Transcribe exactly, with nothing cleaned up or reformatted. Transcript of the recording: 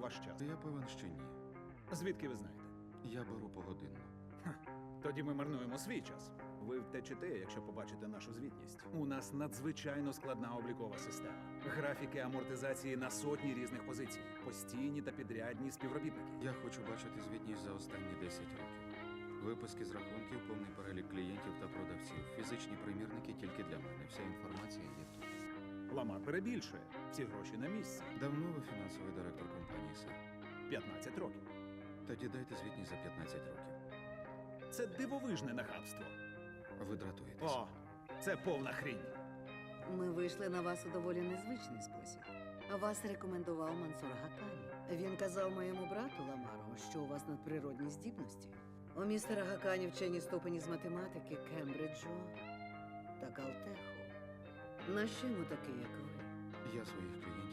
ваш час. Я певен, що ні. Звідки ви знаєте? Я беру погодинну. Тоді ми марнуємо свій час. Ви втечете, якщо побачите нашу звітність. У нас надзвичайно складна облікова система. Графіки амортизації на сотні різних позицій. Постійні та підрядні співробітники. Я хочу бачити звітність за останні десять років. Виписки з рахунків, повний перелік клієнтів та продавців. Фізичні примірники тільки для мене. Вся інформація є тут. Ламар перебільшує. Всі гроші на місці. Давно ви фінансовий директор компанії, сер? п'ятнадцять років. Тоді дайте звітність за п'ятнадцять років. Це дивовижне нахабство. Ви дратуєтесь. О, це повна хрінь. Ми вийшли на вас у доволі незвичний спосіб. Вас рекомендував Мансур Гакані. Він казав моєму брату Ламару, що у вас надприродні здібності. У містера Гакані вчені ступені з математики, Кембриджу та Калтеху. Нащо йому такий, як ви? Я своїх клієнтів